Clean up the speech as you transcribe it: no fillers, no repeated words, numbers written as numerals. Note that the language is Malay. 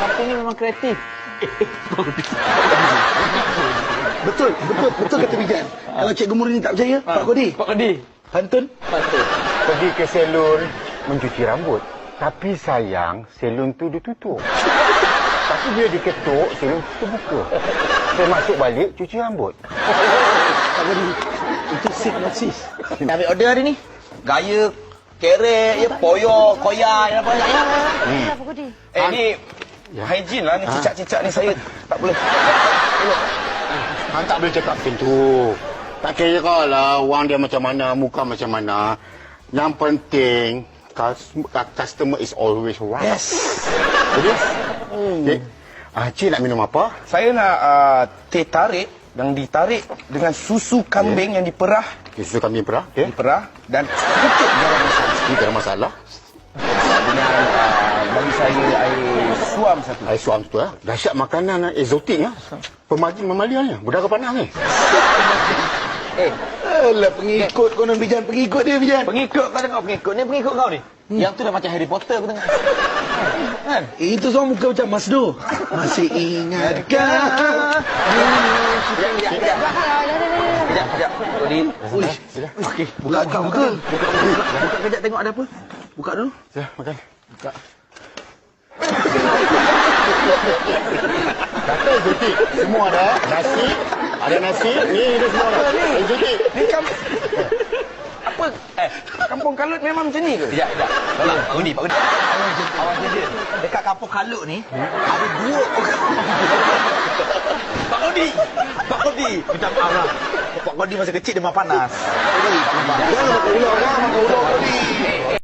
Kampung ni memang kreatif. Betul kata Bijan. Kalau Cikgu Murni tak percaya, Pak Kodi. Pak Kodi. Pantun. Pergi ke salon mencuci rambut. Tapi sayang, salon tu ditutup. Tapi bila diketuk, salon tu terbuka. Saya masuk balik, cuci rambut. Pak Kodi, itu sinopsis. Ambil order hari ni. Gaya, kerek, ya, poyo, koyak, apa banyak ya. Apa Kodi? Ni hygiene lah ni cicak-cicak ni saya tak boleh. Han tak boleh cakap macam tu. Tak kira lah wang dia macam mana, muka macam mana. Yang penting, customer is always right. Yes. Yes. Okay. Cik nak minum apa? Saya nak teh tarik yang ditarik dengan susu kambing yang diperah, Susu kambing perah. Okay. diperah dan sedikit garam masam. Ini tak ada masalah. Dengan bagi saya air suam satu. Air suam tu dahsyat makanan eksotik Pemagin memaliannya. Budara panas ni. Alah, pengikut konon Bijan. Pengikut dia, Bijan. Pengikut kau tengok pengikut ni pengikut kau ni. Yang tu dah macam Harry Potter aku tengok. Kan? Itu semua muka macam Masdo. Masih ingatkah? Sekejap. Kodi. Uish. Okey. Buka account betul. Buka kejap tengok ada apa. Buka dulu. Ya, makan. Kata eksotik. Semua ada. Nasi. Ada nasi. Ni semua ada. Eksotik. Ni apa? Kampung Kalut memang macam ni ke? Sekejap. Pak Kodi. Awak je. Dekat Kampung Kalut ni ada dua orang. Pak Kodi. Minta maaf lah. Pak Kodi masa kecil demam panas. Jangan makan ular, Kodi.